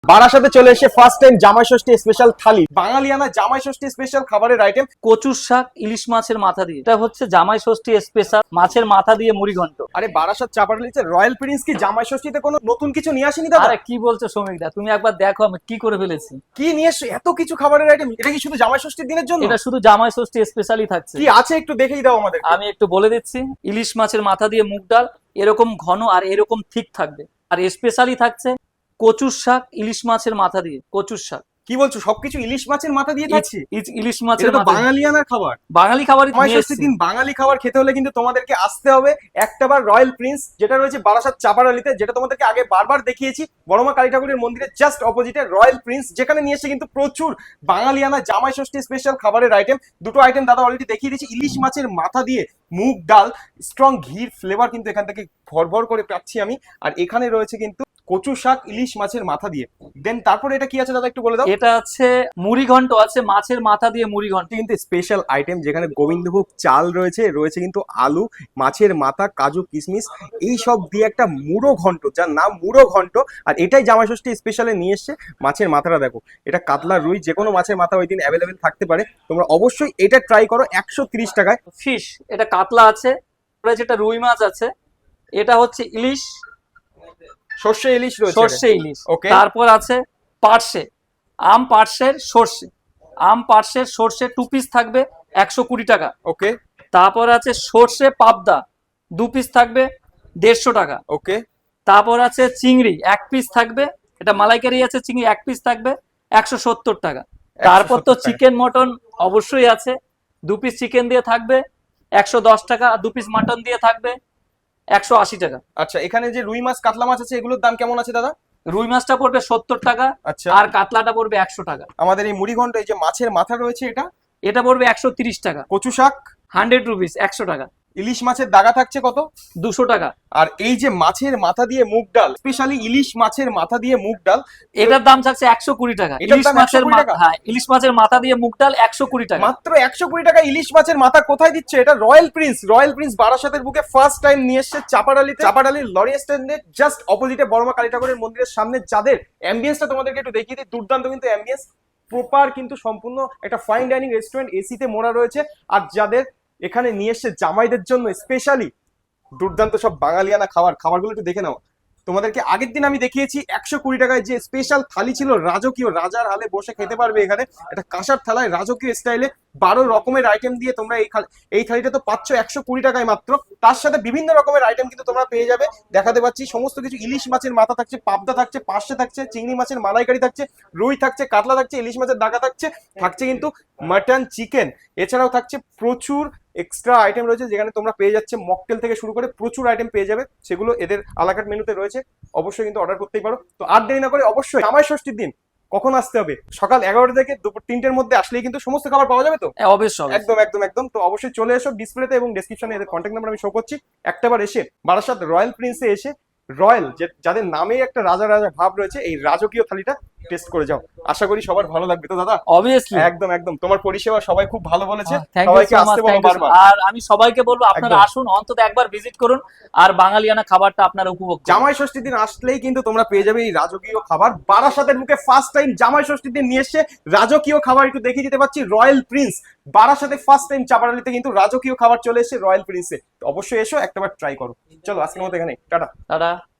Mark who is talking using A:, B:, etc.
A: বারাসাতে চলে এসে ফার্স্ট টাইম জামাই ষষ্ঠী স্পেশাল থালি, বাঙালিয়ানা জামাই ষষ্ঠী স্পেশাল খাবারের আইটেম।
B: কচুর শাক ইলিশ মাছের মাথা দিয়ে, এটা হচ্ছে জামাই ষষ্ঠী স্পেশাল মাছের মাথা দিয়ে মুড়ি ঘন্ট।
A: আরে বারাসাত চাপাডালিতে রয়্যাল প্রিন্স কি জামাই ষষ্ঠীতে কোনো নতুন কিছু নিয়ে আসেনি দাদা?
B: আরে কি বলছো শ্রমিক দা, তুমি একবার দেখো আমি কি করে ফেলেছি।
A: কি নিয়ে এসছো এত কিছু খাবারের আইটেম? এটা কি শুধু জামাই ষষ্ঠীর দিনের জন্য?
B: এটা শুধু জামাই ষষ্ঠী স্পেশালই থাকছে।
A: কি আছে একটু দেখেই দাও আমাদের।
B: আমি একটু বলে দিচ্ছি, ইলিশ মাছের মাথা দিয়ে মুগ ডাল এরকম ঘন আর এরকম ঠিক থাকবে। আর স্পেশালি থাকছে কচুর শাক ইলিশ মাছের মাথা দিয়ে। কচুর শাক
A: কি বলছো? সবকিছু ইলিশ মাছের মাথা দিয়ে থাকছে?
B: ইলিশ মাছের
A: এটা তো
B: মাথা দিয়ে।
A: বাঙালিয়ানার খাবার।
B: বাঙালি খাবারই
A: জামাই
B: নিয়ে
A: ষষ্ঠীর
B: এসেছি।
A: দিন বাঙালি খাবার খেতে হলে কিন্তু তোমাদেরকে আসতে হবে একটাবার রয়্যাল প্রিন্স, যেটা রয়েছে বারাসাত চাপাডালিতে, যেটা তোমাদেরকে আগে বারবার দেখিয়েছি বড়মা কালী ঠাকুরের মন্দিরের জাস্ট অপোজিটে রয়্যাল প্রিন্স, যেখানে নিয়ে এসে কিন্তু প্রচুর বাঙালিয়ানা জামাই ষষ্ঠী স্পেশাল খাবারের আইটেম। দুটো আইটেম দাদা অলরেডি দেখিয়ে দিয়েছি। ইলিশ মাছের মাথা দিয়ে মুগ ডাল, স্ট্রং ঘির ফ্লেভার কিন্তু এখান থেকে ভরভর করে পাচ্ছি আমি। আর এখানে রয়েছে কিন্তু কচু শাক ইলিশ মাছের মাথা দিয়ে। দেন তারপরে এটা কি আছে দাদা একটু বলে দাও।
B: এটা আছে মুড়ি ঘন্ট, আছে মাছের মাথা দিয়ে মুড়ি ঘন্ট।
A: কিন্তু স্পেশাল আইটেম, যেখানে গোবিন্দভোগ চাল রয়েছে, রয়েছে কিন্তু আলু, মাছের মাথা, কাজু, কিশমিশ এই সব দিয়ে একটা মুড়ো ঘন্ট, যার নাম মুড়ো ঘন্ট। আর এটাই জামাই ষষ্ঠী স্পেশালে নিয়ে এসছে। মাছের মাথাটা দেখো, এটা কাতলা, রুই, যে কোনো মাছের মাথা ওই দিন অ্যাভেলেবেল থাকতে পারে। তোমরা অবশ্যই এটা ট্রাই করো 130 টাকায়।
B: ফিশ, এটা কাতলা আছে, যেটা রুই মাছ আছে, এটা হচ্ছে ইলিশ,
A: সর্ষে ইলিশ রয়েছে,
B: সর্ষে ইলিশ।
A: ওকে।
B: তারপর আছে পার্শে, আম পার্শের সর্ষে, আম পার্শের সর্ষে 2 পিস থাকবে 120 টাকা।
A: ওকে
B: তারপর আছে সর্ষে পাবদা 2 পিস থাকবে 150 টাকা।
A: ওকে
B: তারপর আছে চিংড়ি 1 পিস থাকবে, এটা মালাইকারি আছে, চিংড়ি 1 পিস থাকবে 170 টাকা। তারপর তো
A: 170 টাকা।
B: চিকেন মটন অবশ্যই আছে, 2 পিস চিকেন দিয়ে থাকবে 110 টাকা, আর 2 পিস মাটন দিয়ে থাকবে 180 টাকা।
A: আচ্ছা, এখানে যে রুই মাছ, কাতলা মাছ আছে, এগুলোর দাম কেমন আছে দাদা?
B: রুই মাছটা পড়বে 70 টাকা,
A: আচ্ছা,
B: আর কাতলাটা পড়বে 100 টাকা।
A: আমাদের এই মুড়ি ঘন্ট, এই যে মাছের মাথা রয়েছে, এটা
B: এটা পড়বে 130 টাকা।
A: কচু শাক
B: 100 রুপিস, 100 টাকা।
A: ইলিশ মাছের দাগা থাকছে কত?
B: 200 টাকা।
A: আর এই যে মাছের মাথা দিয়ে মুগ ডাল, স্পেশালি ইলিশ মাছের মাথা দিয়ে মুগ ডাল,
B: এটার দাম থাকছে 120 টাকা।
A: এটার
B: ইলিশ
A: দাম
B: মাছের
A: 120 টাকা?
B: হ্যাঁ, ইলিশ মাছের মাথা দিয়ে মুগ ডাল 120 টাকা।
A: মাত্র 120 টাকা ইলিশ মাছের মাথা কোথায় দিচ্ছে? এটা রয়্যাল প্রিন্স। রয়্যাল প্রিন্স বারাসাতের বুকে ফার্স্ট টাইম নিয়ে এসেছে চাপাডালিতে। চাপাডালির লরি স্ট্যান্ডের জাস্ট অপোজিটে বড়মা কালী ঠাকুরের মন্দিরের সামনে। যাদের অ্যাম্বিয়েন্সটা তোমাদেরকে একটু দেখিয়ে দিই, দুর্দান্ত কিন্তু অ্যাম্বিয়েন্স, প্রপার কিন্তু সম্পূর্ণ একটা ফাইন ডাইনিং রেস্টুরেন্ট, এসিতে মোড়া রয়েছে। আর যাদের এখানে নিয়ে এসেছে জামাইদের জন্য স্পেশালি দুর্দান্ত সব বাঙালিয়ানা খাবারগুলো একটু দেখে নাও। তোমাদেরকে আগের দিন আমি দেখিয়েছি 120 টাকায় যে স্পেশাল থালি ছিল, রাজকীয়, রাজার হালে বসে খেতে পারবে এখানে। একটা কাঁসার থালায় রাজকীয় স্টাইলে 12 রকমের আইটেম দিয়ে তোমরা এই থালিটা তো পাচ্ছ 120 টাকায় মাত্র। তার সাথে বিভিন্ন রকমের আইটেম কিন্তু তোমরা পেয়ে যাবে। দেখাতে পাচ্ছি সমস্ত কিছু। ইলিশ মাছের মাথা থাকছে, পাবদা থাকছে, পার্শে থাকছে, চিংড়ি মাছের মালাইকারি থাকছে, রুই থাকছে, কাতলা থাকছে, ইলিশ মাছের দাগা থাকছে, থাকছে কিন্তু মাটন, চিকেন। এছাড়াও থাকছে প্রচুর এক্সট্রা আইটেম রয়েছে, যেখানে তোমরা পেয়ে যাচ্ছে মকটেল থেকে শুরু করে প্রচুর আইটেম পেয়ে যাবে। সেগুলো এদের আলাকাট মেনুতে রয়েছে, অবশ্যই কিন্তু অর্ডার করতেই পারো। তো আর দেরি না করে অবশ্যই জামাই ষষ্ঠীর দিন কখন আসতে হবে? সকাল 11টা থেকে দুপুর 3টের মধ্যে আসলেই কিন্তু সমস্ত খাবার পাওয়া যাবে তো?
B: অবশ্যই।
A: একদম একদম একদম। তো অবশ্যই চলে এসো। ডিসপ্লেতে এবং ডেসক্রিপশনে এদের কন্ট্যাক্ট নাম্বার আমি শো করছি। একটাবার এসে বারাসাত রয়্যাল প্রিন্সে এসে রয়্যাল, যাদের নামেই একটা রাজা রাজা ভাব রয়েছে, এই রাজকীয় থালিটা টেস্ট করে যাও। আশা করি সবার ভালো লাগবে তো দাদা?
B: অবভিয়াসলি,
A: একদম একদম। তোমার পরিষেবা সবাই খুব ভালো বলেছে।
B: থ্যাংক ইউ
A: সবাইকে
B: সো মাচ।
A: আসতে বলো বারবার।
B: আর আমি সবাইকে বলবো আপনারা
A: একদম।
B: আসুন, অন্তত একবার ভিজিট করুন, আর বাঙালিয়ানা খাবারটা আপনারা উপভোগ করুন।
A: জামাই ষষ্ঠীর দিন আসলেই কিন্তু তোমরা পেয়ে যাবে এই রাজকীয় খাবার। বারাসাতের মুখে ফার্স্ট টাইম জামাই ষষ্ঠীর দিন নিয়ে এসে রাজকীয় খাবার একটু দেখিয়ে দিতে পারছি। রয়্যাল প্রিন্স বারাসাতে ফার্স্ট টাইম চাপাডালিতে কিন্তু রাজকীয় খাবার চলে এসেছে রয়্যাল প্রিন্সে। তো অবশ্যই এসো, একটাবার ট্রাই করো। চলো আজকের মতো এখানে টাটা।
B: দাদা।